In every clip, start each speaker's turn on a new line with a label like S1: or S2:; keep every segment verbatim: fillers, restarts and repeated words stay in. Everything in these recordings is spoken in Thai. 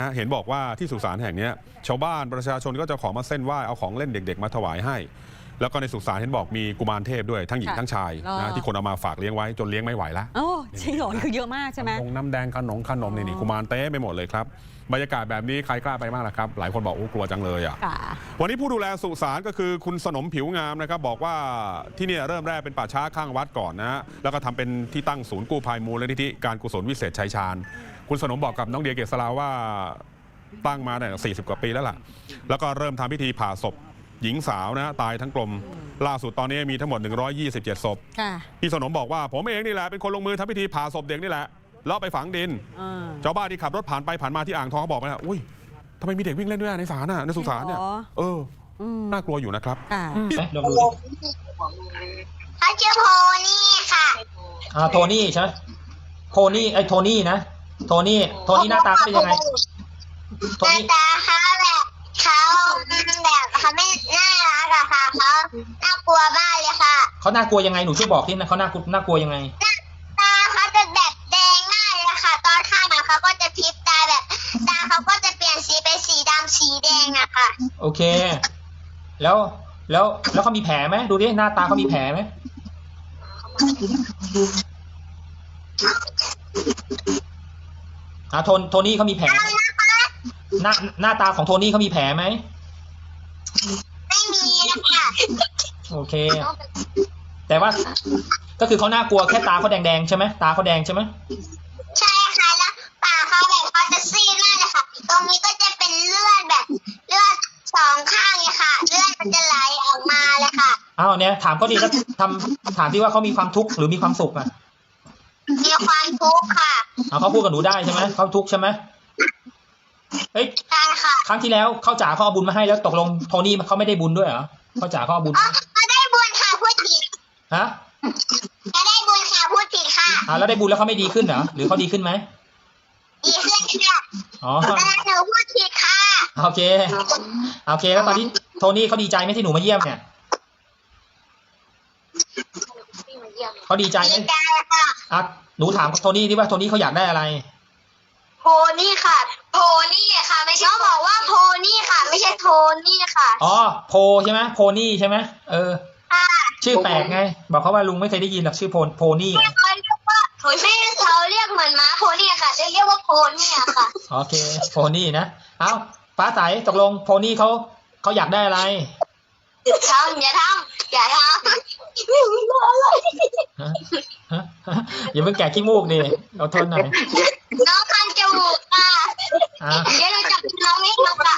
S1: เห็นบอกว่าที่สุสานแห่งนี้ชาวบ้านประชาชนก็จะของมาเส้นไหว้เอาของเล่นเด็กๆมาถวายให้แล้วก็ในสุสานเห็นบอกมีกุมารเทพด้วยทั้งหญิงทั้งชายนะที่คนเอามาฝากเลี้ยงไว้จนเลี้ยงไม่ไหวแล้ว
S2: โอ้จริงเหรอคือเยอะมากใช่ไหม
S1: นมน้ำแดงขนมขนมนี่นี่กุมารเต้ไปหมดเลยครับบรรยากาศแบบนี้ใครกล้าไปบ้างล่ะครับหลายคนบอกโอ้กลัวจังเลยอ่ะวันนี้ผู้ดูแลสุสานก็คือคุณสนมผิวงามนะครับบอกว่าที่นี่เริ่มแรกเป็นป่าช้าข้างวัดก่อนนะแล้วก็ทำเป็นที่ตั้งศูนย์กู้ภัยมูลนิธิการกุศลวิเศษชัยชาญคุณสนมบอกกับน้องเดียเกษราว่าตั้งมาเนี่ยสี่สิบกว่าปีแล้วล่ะแล้วก็เริ่มทำพิธีผ่าศพหญิงสาวนะตายทั้งกลมล่าสุดตอนนี้มีทั้งหมดหนึ่งร้อยยี่สิบเจ็ดศพพี่สนมบอกว่าผมเองนี่แหละเป็นคนลงมือทำพิธีผ่าศพเด็กนี่แหละแล้วไปฝังดินชาวบ้านที่ขับรถผ่านไปผ่านมาที่อ่างทองเขาบอกว่าอุ้ยทำไมมีเด็กวิ่งเล่นด้วยในศาลน่ะในสุสานเนี่ยเออน่ากลัวอยู่นะครับ
S3: ลองดูเขาชื่อโพนี่ค่ะอ่าโทนี่ใช่ไหมโทนี่ไอโทนี่นะโทนี่โทนี่หน้าตาเป็นยังไง
S4: หน้าตาเขาแบบเขาแบบเขาไม่น่ารักอะค่ะเขาน่ากลัวมากเลยค่ะ
S3: เขาน่ากลัวยังไงหนูช่วยบอกที่นะเขาน่ากลัวน่ากลัวยังไง
S4: ตาเขาจะแบบแดงมากเลยค่ะตอนข้ามเขาก็จะพริบตาแบบตาเขาก็จะเปลี่ยนสีเป็นสีดำสีแดงอะค่ะ
S3: โอเคแล้วแล้วแล้วเขามีแผลไหมดูดิหน้าตาเขามีแผลไหมอ่าโทนโทนี่เขามีแผลหน้าหน้าตาของโทนี่เขามีแผลไหม
S4: ไม่มีนะคะ
S3: โอเคแต่ว่าก็คือเขาน่ากลัวแค่ตาเขาแดงๆใช่ไหมตาเขาแดงใช่ไหม
S4: ใช่ค่ะแล้วปากเขาแบบเขาจะซีดมากเลยค่ะตรงนี้ก็จะเป็นเลือดแบบเลือดสองข้างเลยค่ะเลือดมันจะไหลออกมาเลยค่ะ
S3: อ้าวเนี่ยถามเขาดิแล้วทำถามที่ว่าเขามีความทุกข์หรือมีความสุขอ่ะ
S4: มีความทุกข์ค่ะ
S3: เอาเขาพูดกับหนูได้ใช่ไหมเขาทุกข์ใช่ไหมเฮ้ย
S4: ใช่ค่ะ
S3: ครั้งที่แล้วเขาจ่าเขาเอาบุญมาให้แล้วตกลงโทนี่เขาไม่ได้บุญด้วยเหรอเขาจ่าเขาเอาบุญ
S4: เขาได้บุญค่ะพูดผิด
S3: ฮะ
S4: เขาได้บุญค่ะพูดผิดค่ะ
S3: อ่าแล้วได้บุญแล้วเขาไม่ดีขึ้นเหรอหรือเขาดีขึ้นไหม
S4: ดีขึ้นค่ะอ๋อหนูพูดผิดค่ะ
S3: โอเคโอเคแล้วตอนนี้โทนี่เขาดีใจไหมที่หนูมาเยี่ยมเนี่ยเขาดีใจไหม
S4: ดีใจค่ะ
S3: อ่ะหนูถามโทนี่ดิว่าโทนี่เขาอยากได้อะไร
S4: โพนี่ค่ะโพนี่ค่ะไม่ใช่น้องบอกว่าโพนี่ค่ะไม่ใช่โทนี่ค่ะ
S3: อ๋อโพใช่ไหมโพนี่ใช่ไหมเออชื่อแปลกไงบอกเขาว่าลุงไม่เคยได้ยินหรอกชื่อโพโพนี่
S4: เขาเรียกว่าไม่เขาเรียกเหมือนม้าโพนี่ค่ะจะเรียกว่าโพนี่ค่ะ
S3: โอเคโพนี่นะเอ้าฟ้าใสตกลงโพนี่เขาเขาอยากได้อะไร
S4: ทำอย่าทำอย่าทำ
S3: อย่าเพิ่งแกะขี้มูกดิเอาทนหน่อย
S4: น้องคันจมูกค่ะเดี๋ยวเราจับน้องไม่ทำค่ะ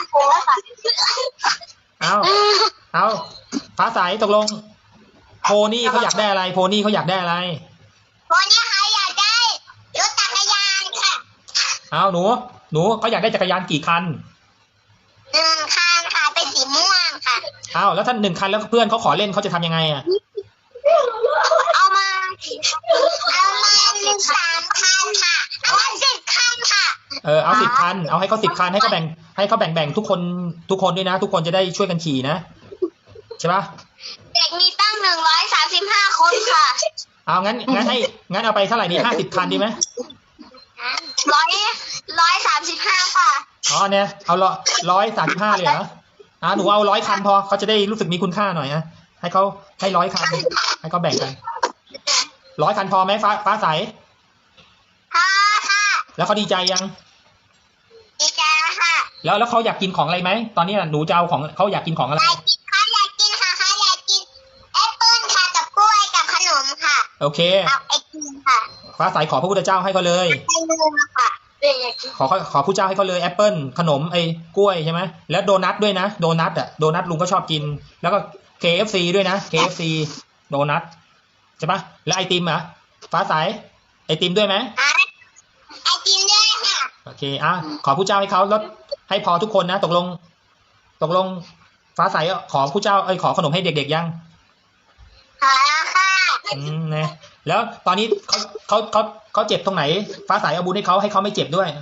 S3: เอาเอาฟ้าใสตกลงโพนี่เขาอยากได้อะไรโพนี่เขาอยากได้อะไร
S4: โพนี่เขาอยากได้รถจักรยานค่ะ
S3: เอาหนูหนูเขาอยากได้จักรยานกี่คัน
S4: หนึ่งคันค่ะเป็นสีม่วงค่ะ
S3: เอาแล้วถ้าหนึ่งคันแล้วเพื่อนเขาขอเล่นเขาจะทำยังไงอ่ะ
S4: เอามาเอามาหนึ่งสามคันค่ะเอามาสิบคันค่ะ
S3: เออเอาสิบคันเอาให้เขาสิบคันให้เขาแบ่งให้เขาแบ่งแบ่งทุกคนทุกคนด้วยนะทุกคนจะได้ช่วยกันขี่นะใช่ปะ
S4: เด็กมีตั้งหนึ่งร้อยสามสิบห้าคนค่ะ
S3: เอางั้นงั้นให้งั้นเอาไปเท่าไหร่ดีห้าสิบคันดีไหม
S4: ร้อยร้อยสามสิบห้าค่ะ
S3: อ๋อเนี่ยเอาร้อยร้อยสามสิบห้าเลยเหรออ่าหนูเอาร้อยคันพอเขาจะได้รู้สึกมีคุณค่าหน่อยนะให้เขาให้ร้อยคันให้เขาแบ่งกันร้อยคันพอไหมฟ้าฟ้าใส
S4: พอค่ะ
S3: แล้วเขาดีใจยัง
S4: ดีใจแล้วค่ะ
S3: แล้วแล้วเขาอยากกินของอะไรไหมตอนนี้หนูจะเอาของเขาอยากกินของอะไร
S4: เขาอยากกินค่ะเขาอยากกินแอปเปิ้ลค่ะกับกล้วยกับขนมค่ะ
S3: โอเค
S4: เอาไอติมค่ะ
S3: ฟ้าใสขอพระพุทธเจ้าให้เขาเลย
S4: ค่ะ
S3: ขอขอผู้เจ้าให้เขาเลยแอปเปิ้ลขนมไอ้กล้วยใช่ไหมแล้วโดนัทด้วยนะโดนัทอ่ะโดนัทลุงก็ชอบกินแล้วก็ เค เอฟ ซี ด้วยนะ เค เอฟ ซี โดนัทใช่ปะแล้วไอติมอ่ะฟ้าใสไอติมด้วยไหม
S4: ไอติมด้วยค่ะ
S3: โอเคอ่ะขอผู้เจ้าให้เขาแล้วให้พอทุกคนนะตกลงตกลงฟ้าใสขอผู้เจ้าเอ้ยขอขนมให้เด็กๆยัง
S4: ขอแล้วค่ะ
S3: อืมนะแล้วตอนนี้เขาเขาเขาเขาเจ็บตรงไหนฟ้าใสเอาบุญให้เขาให้เขาไม่เจ็บด้วย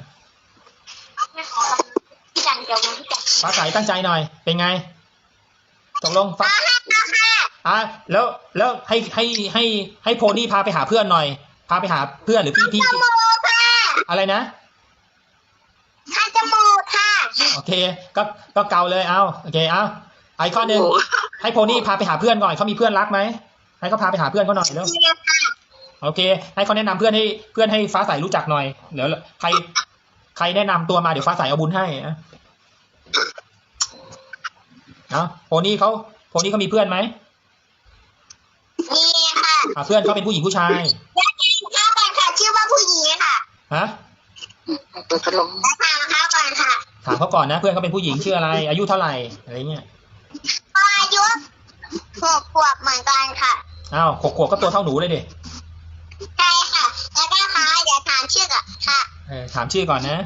S3: ฟ้าใสตั้งใจหน่อยเป็นไงตกลงฟ้าอ่ะแล้วแล้วให้ให้ให้ให้โพนี่พาไปหาเพื่อนหน่อยพาไปหาเพื่อนหรือพี่พี่อะไรนะ
S4: คันจมูก
S3: โอเคก็ก็เกาเลยเอาโอเคเอาไอข้อหนึ่งให้โพนี่พาไปหาเพื่อนก่อนเขามีเพื่อนรักไหมให้เขาพาไปหาเพื่อนเขาหน่อยเร็วโอเคให้เขาแนะนำเพื่อนให้เพื่อนให้ฟ้าใสรู้จักหน่อยเดี๋ยวใครใครแนะนำตัวมาเดี๋ยวฟ้าใสเอาบุญให้นะเอาโพนี่เขาโพนี่เขามีเพื่อนไหม
S4: มีค่ะ
S3: อ่าเพื่อนเขาเป็นผู้หญิงผู้ชาย
S4: แล้วกินข้าวก่อนค่ะชื่อว่าผู้หญิงค่ะ
S3: ฮะ
S4: แล้วถามเขาก่อนค่ะ
S3: ถามเขาก่อนนะเพื่อนเขาเป็นผู้หญิงชื่ออะไรอายุเท่าไหร่อะไรเงี้ย
S4: อายุหกขวบเหมือนกันค่ะ
S3: อ้าวขวบขวบก็ตัวเท่าหนูเลยดิ
S4: ใช่ค่ะ แล้วก็ค่ะเดี๋ยวถามชื่อก่อนค่ะ
S3: เออถามชื่อก่อนนะ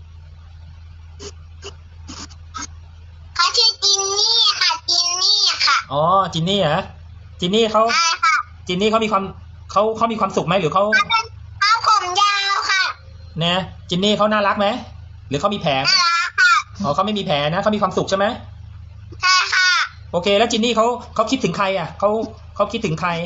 S4: เขาชื่อจินนี่ค่ะจินนี่ค่ะ
S3: อ๋อจินนี่เหรอจินนี่เขา
S4: ใช่ค่ะ
S3: จินนี่เขามีความเขาเขามีความสุขไหมหรือเขา
S4: เขาเป็นเขาผมยาวค่ะ
S3: เนี่ยจินนี่เขาน่ารักไหมหรือเขามีแผล
S4: น่ารักค่ะ
S3: อ๋อเขาไม่มีแผลนะเขามีความสุขใช่ไหม
S4: ใช่ค่ะ
S3: โอเค แล้วจินนี่เขาเขาคิดถึงใครอ่ะเขาเขาคิดถึงใคร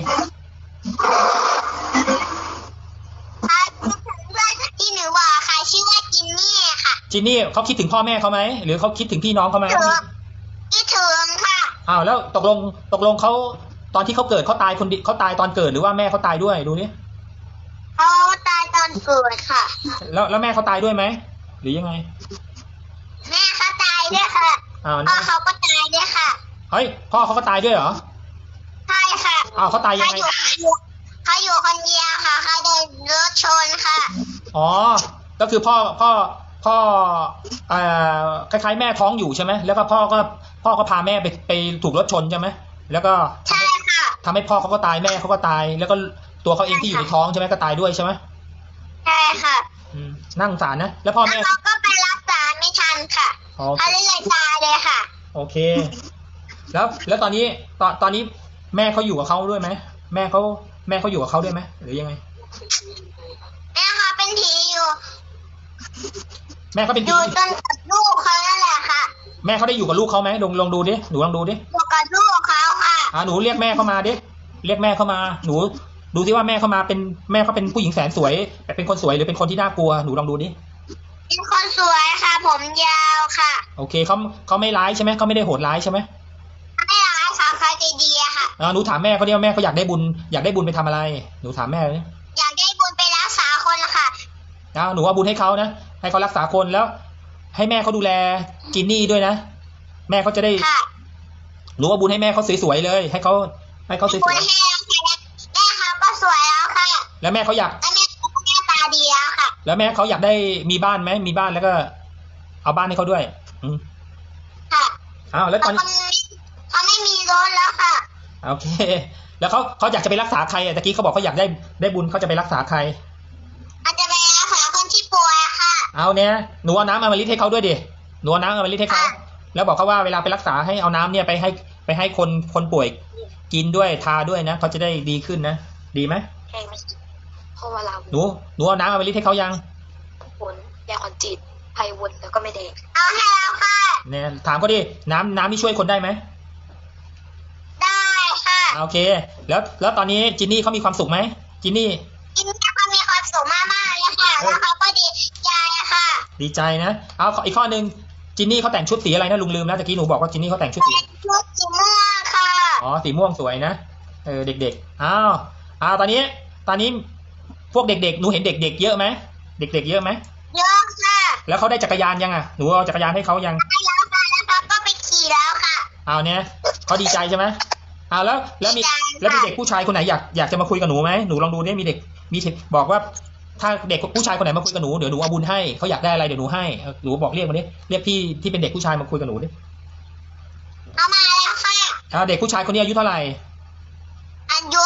S4: เขาคิดถึงเพื่อนที่หนูบอกค่ะชื่อว่าจินนี่ค่ะ
S3: จินนี่เขาคิดถึงพ่อแม่เขาไหมหรือเขาคิดถึงพี่น้องเขาไหม
S4: ถึงคิดถึงค่ะ
S3: อ้าวแล้วตกลงตกลงเขาตอนที่เขาเกิดเขาตายคนเดียวเขาตายตอนเกิดหรือว่าแม่เขาตายด้วยดูนี่
S4: เขาตายตอนเกิดค่ะ
S3: แล้วแล้วแม่เขาตายด้วยไหมหรือยังไง
S4: แม่เขาตายด้วยค่ะ
S3: อ้าว
S4: พ่อเขาก็ตายด้วยค่ะ
S3: เฮ้ยพ่อเขาก็ตายด้วยเหรอ
S4: ใช่ค่ะ
S3: อ้าวเขาตายยัง
S4: เขา
S3: ไง
S4: อยู่เขาอยู่คนเดียวค่ะเขาโดนรถชนค่ะ
S3: อ๋อก็คือพ่อพ่อพ่อเอ่อคล้ายๆแม่ท้องอยู่ใช่ไหมแล้วก็พ่อก็พ่อก็พาแม่ไปไปถูกรถชนใช่ไหมแล้วก็ทำ
S4: ใช่
S3: ให้
S4: ค่ะ
S3: ทำให้พ่อเขาก็ตายแม่เขาก็ตาย แล้วก็ตัวเขาเองที่อยู่ในท้องใช่ไหมก็ตายด้วยใช่ไหม
S4: ใช่ค่ะ
S3: อืมนั่าสงสารนะแล้วพ่อ
S4: แล้ว
S3: แม่
S4: เขาก็ไปรักษาไม่ทันค่ะ
S3: อ๋อ
S4: เขาเลยตายเลยค่ะ
S3: โอเค แล้วแล้วตอนนี้ตอนตอนนี้แม่เขาอยู่กับเขาด้วยไหมแม่เขาแม่เขาอยู่กับเขาด้วยไหมหรือยังไง
S4: แม่เขาเป็นผีอยู่
S3: แม่เขาเป็น
S4: อ
S3: ผี
S4: ยู่จนกับลูกเขานั่นแหละค่ะ
S3: แม่เขาได้อยู่กับลูกเขาไหมลองลองดูดิหนูลองดูดิ
S4: อยู่กับลูกเขาค่ะ
S3: อ่าหนูเรียกแม่เข้ามาดิเรียกแม่เข้ามาหนูดูสิว่าแม่เข้ามาเป็นแม่เขาเป็นผู้หญิงแสนสวยแต่เป็นคนสวยหรือเป็นคนที่น่ากลัวหนูลองดูดิ
S4: เป็นคนสวยค่ะ ผมยาวค่ะ
S3: โอเคเขาเขาไม่ร้ายใช่ไหมเขาไม่ได้โหดร้ายใช่ไหม
S4: ไม่ร้ายค่ะเขาใจดีอะค่ะ
S3: อ่าหนูถามแม่เขาดิว่าแม่เขาอยากได้บุญอยากได้บุญไปทำอะไรหนูถามแม่เลย
S4: อยากได้บุญไปรักษาคนละค่ะ
S3: อ้าวหนูเอาบุญให้เขานะให้เขารักษาคนแล้ว ให้แม่เขาดูแลจินนี่ด้วยนะแม่เขาจะได้
S4: ค่ะ
S3: หนูเอาบุญให้แม่เขาสวยๆเลย ให้เขาให้เขาส
S4: บุ
S3: ว
S4: ญ
S3: ย
S4: ให้แล้วค่ะแม่เขาก็สวยแล้วค่ะ
S3: ๆแล้วแม่เขาอยาก
S4: แล้วแม่เขาก็หน้าตาดีแล้วค่ะ
S3: แล้วแม่เขาอยากได้มีบ้านไหมมีบ้านแล้วก็ เอาบ้านให้เขาด้วย อืม
S4: ค่ะ
S3: อ้าวแล้วต
S4: เขา
S3: อน
S4: ไม่เขาไม่มีรถแล้วค่ะ
S3: โอเค แล้วเขาเขาอยากจะไปรักษาใครอ่ะตะกี้เขาบอกเขาอยากได้ได้บุญเขาจะไปรักษาใคร
S4: อาจจะไปรักษาคนที่ป่วยค่ะ
S3: เอาเนี่ยหนูเอาน้ำอมฤตให้เขาด้วยดิหนูเอาน้ำอมฤตให้เขา
S4: ค่ะ
S3: แล้วบอกเขาว่าเวลาไปรักษาให้เอาน้ำเนี่ยไปให้ไปให้คนคนป่วยกินด้วยทาด้วยนะเขาจะได้ดีขึ้นนะดีไหม
S5: ใช่ไหมเพราะว่าเรา
S3: หนูหนูเอาน้ำอมฤตให้เขายัง
S5: ผลยาคอนจิตไพวนแล้วก็ไม่แดง
S4: เอาให้แล้วค่ะ
S3: เนี่ยถามเขาดิน้ำน้ำที่ช่วยคนได้ไหม
S4: ได้ค่ะ
S3: โอเค แล้วแล้วตอนนี้จินนี่เขามีความสุขไหมจินนี่
S4: กินแล้วเขามีความสุขมากๆเลยค่ะ แล้วเขาก็ดีใจค่ะ
S3: ดีใจนะเอาอีกข้อหนึ่งจินนี่เขาแต่งชุดสีอะไรนะลุงลืมแล้วตะกี้หนูบอกว่าจินนี่เขาแต่งชุดสี
S4: เป็นชุดสีม่วงค่ะ
S3: อ๋อสีม่วงสวยนะเออเด็กๆอ้าวอ้าวตอนนี้ตอนนี้พวกเด็กๆหนูเห็นเด็กๆเยอะไหมเด็กๆเยอะไหม
S4: เยอะค่ะ
S3: แล้วเขาได้จักรยานยังอ่ะหนูเอาจักรยานให้เขายัง
S4: ได้แล้วค่ะแล้วเขาก็ไปขี่แล้วค่ะ
S3: เอาเนี่ยเขาดีใจใช่ไหมเอาแล้วแล้วมี
S4: ดีใจค่ะ
S3: แล้วมีเด็กผู้ชายคนไหนอยากอยากจะมาคุยกับหนูไหมหนูลองดูเนี่ยมีเด็กมีเด็กบอกว่า ถ้าเด็กผู้ชายคนไหนมาคุยกับหนูเดี๋ยวหนูเอาบุญให้เขาอยากได้อะไรเดี๋ยวหนูให้เออหนูบอกเรียกมาดิเรียกพี่ที่เป็นเด็กผู้ชายมาคุยกับหนูดิ
S4: เอามาแล้วค่ะ
S3: เอาเด็กผู้ชายคนนี้อายุเท่าไหร่
S4: อายุ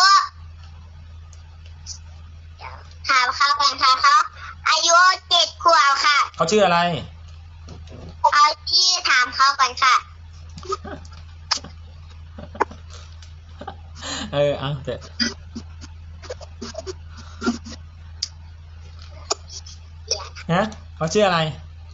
S4: ถามเขาก่อนค่ะเขาอายุเจ็ดขวบค่ะ
S3: เขาชื่ออะไร
S4: เอาที่ถามเขาก่อนค่ะ
S3: เออเอาเถอะฮะเขาชื่ออะไร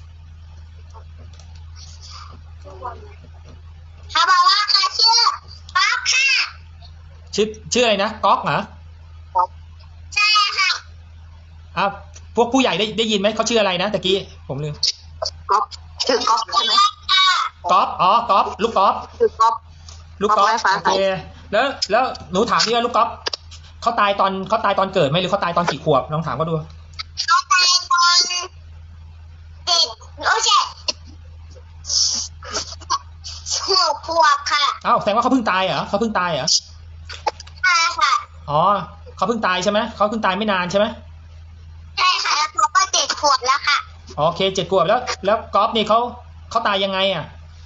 S4: เขาบอกว่าเขาชื่อป๊อกค่ะ
S3: ชื่อชื่ออะไรนะก๊อกเหรอ
S4: ใช่ค่ะ
S3: อ่ะพวกผู้ใหญ่ได้ได้ยินไหมเขาชื่ออะไรนะตะกี้ผมลืม
S5: ก๊อฟ
S6: ชื่อก๊อฟใช่ไหม
S3: ก๊อฟอ๋อก๊อฟลูกก๊อฟ
S6: ชื่อก๊อฟ
S3: ลูกก๊อฟ
S6: ก๊อฟไม้ฟ้า
S3: โอ
S6: ใส
S3: เคแล้วแล้วหนูถามดิว่าลูกก๊อฟเขาตายตอนเขาตายตอนเกิดไหมหรือเขาตายตอนกี่ขวบลองถามเขาดู
S4: เขาตายตอนเด็กโอ้ใช่หกขวบค่ะ
S3: อ้าวแสดงว่าเขาเพิ่งตายเหรอเขาเพิ่งตายเหรอ
S4: ใช่ค่ะ
S3: อ๋อเขาเพิ่งตายใช่ไหมเขาเพิ่งตายไม่นานใช่ไหม
S4: ใช่ค่ะแล้วเขาก็เจ็ดขวบแล้วค่ะ
S3: โอเคเจ็ดขวบแล้ว แล้วก๊อฟนี่เขาเขาตายยังไงอ่ะ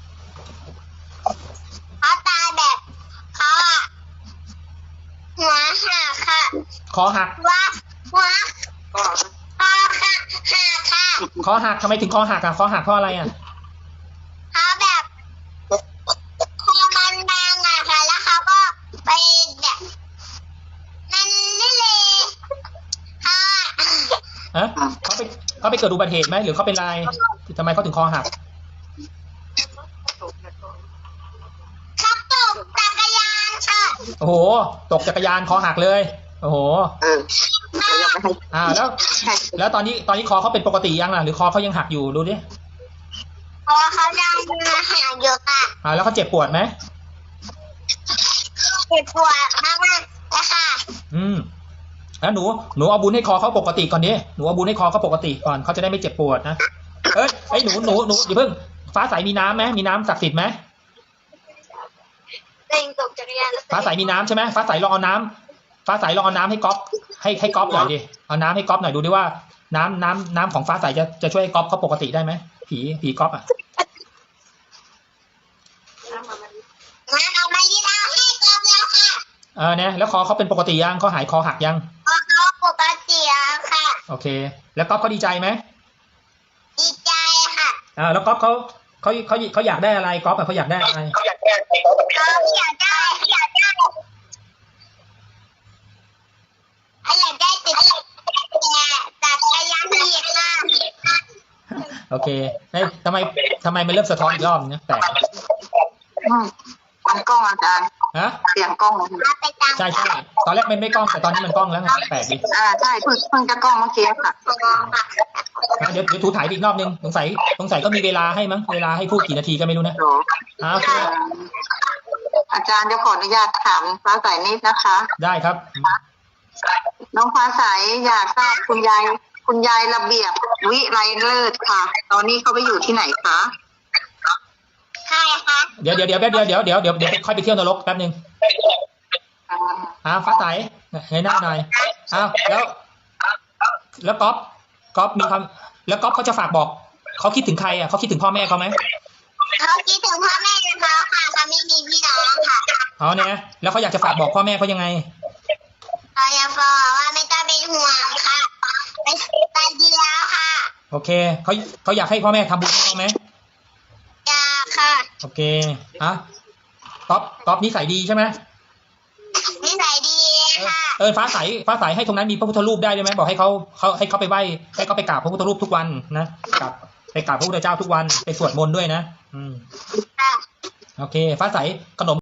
S4: เขาตายแบบเขาอะหัวหักค่ะ
S3: คอหัก
S4: หัวหัว
S6: ก็
S4: คอหักหักค่ะ
S3: คอหักทำไมถึงคอหักอ่ะคอหักเพราะอะไรอ่ะ
S4: เขาแบบคอมันบางอะค่ะ แล้วเขาก็ไปแบบมันนี่เลยเขาอะ
S3: ฮะเขาไปเขาไปเกิดอุบัติเหตุไหมหรือเขาเป็นอะไรทำไมเขาถึงคอหัก
S4: เขาตกจักรยานค่ะ
S3: โอ้โหตกจักรยานคอหักเลยโอ้โห
S6: เออเดี๋ยวยังไม่ให้
S3: อ่าแล้ว
S6: ให้
S3: แล้วตอนนี้ตอนนี้คอเขาเป็นปกติยังล่ะหรือคอเขายังหักอยู่ดูดิ
S4: เพราะว่าเขาดังมาหาอยู่ค่ะ
S3: อ่าแล้วเขาเจ็บปวดไหม
S4: เจ็บปวดมากๆเลยค่ะ
S3: อืมแล้วหนูหนูเอาบุญให้คอเขาปกติก่อนดิหนูเอาบุญให้คอเขาปกติก่อนเขาจะได้ไม่เจ็บปวดนะเอ้ยไอ้ยหนูหนูหนูอย่าเพิ่งฟ้าใสมีน้ำไหมมีน้ำศักดิ์สิทธิ์ไหม
S5: เร่งตกจักรยานแล้ว
S3: ฟ้าใสมีน้ำใช่ไหมฟ้าใสลองเอาน้ำฟ้าใสลองเอาน้ำให้ก๊อฟให้ให้ก๊อฟหน่อยดิเอาน้ำให้ก๊อฟหน่อยดูดิว่าน้ำน้ำน้ำของฟ้าใสจะจะช่วยให้ก๊อฟเขาปกติได้ไหมผีผีก๊อฟอ่ะ
S4: งั้นเอามาลีดเอาให้กอบแล้วค่ะ
S3: เออเนี่ยแล้วคอเขาเป็นปกติยังเขาหายคอหักยัง
S4: เพราะเขาปกติแล้วค่ะ
S3: โอเค แล้วก๊อฟเขาดีใจไหม
S4: ดีใจค่ะ
S3: อ่าแล้วก๊อฟเขาเขาเขาเขาอยากได้อะไรก๊อฟอะเขาอยากได้อะไร
S4: เขาอยากได้เขาอยากได้เขาอยากได้เขาอยากได้ติดแต่จักรยานดีค่ะ
S3: โอเคเฮ้ยทำไมทำไมมันเริ่มสะท้อนอีกรอบนึงนะแปลก
S6: อืมมันกล้องอาจารย์
S3: ฮะ
S6: เสียงกล้อง
S4: เอาไปตาม
S3: ใช่ใช่ตอนแรกมันไม่กล้องแต่ตอนนี้มันกล้องแล้วไงแปลกดิ
S6: อ่าใช่เพิ่งเพิ่งจะกล้องเมื่อกี้ค่ะ
S3: อ่ะเดี๋ยวเดี๋ยวถูถ่ายอีกรอบนึงสงสัยสงสัยก็มีเวลาให้มั้งเวลาให้พูดกี่นาทีก็ไม่รู้นะ
S6: โห
S3: อ่าโอเค
S6: อ่าอาจารย์จะขออนุญาตถามฟ้าใสนิดนะคะ
S3: ได้ครับ
S6: น้องฟ้าใสอยากทราบคุณยายคุณยายระเบียบวิไรเลิศค่ะ ตอนนี้เขาไปอยู่ที่ไหนคะ
S4: ใช่ค่ะ
S3: เดี๋ยวเดี๋ยวเดี๋ยวแป๊บเดียวเดี๋ยวเดี๋ยวเดี๋ยวเดี๋ยวค่อยไปเที่ยวนรกแป๊บนึง
S6: อ่า
S3: อ่าฟ้าใสให้หน้าหน่อยอ้าวแล้ว แล้วก๊อฟก๊อฟมีความแล้วก๊อฟเขาจะฝากบอกเขาคิดถึงใครอ่ะเขาคิดถึงพ่อแม่เขาไหม
S4: เขาคิดถึงพ่อแม่เขาค่ะเขาไม่มีพี่น้องค่ะ
S3: อ๋อเนี่ยแล้วเขาอยากจะฝากบอกพ่อแม่เขายังไง
S4: เขาอยากบอกว่าไม่ต้องเป็นห่วงค่ะไปไปดีแล้วค่ะ
S3: โอเคเขาเขาอยากให้พ่อแม่ทำบุญให้เขาไหม
S4: อยากค่ะ
S3: โอเคอ่ะก๊อฟก๊อฟนิสัยดีใช่ไหม
S4: นิสัยดี
S3: เออ
S4: ค่ะ
S3: เออฟ้าใสฟ้าใสให้ตรงนั้นมีพระพุทธรูปได้ด้วยไหมบอกให้เขาเขาให้เขาไปไหว้ให้เขาไปกราบพระพุทธรูปทุกวันนะกราบไปกราบพระพุทธเจ้าทุกวันไปสวดมนต์ด้วยนะอืม
S4: ค่ะ
S3: โอเค ฟ้าใสขนม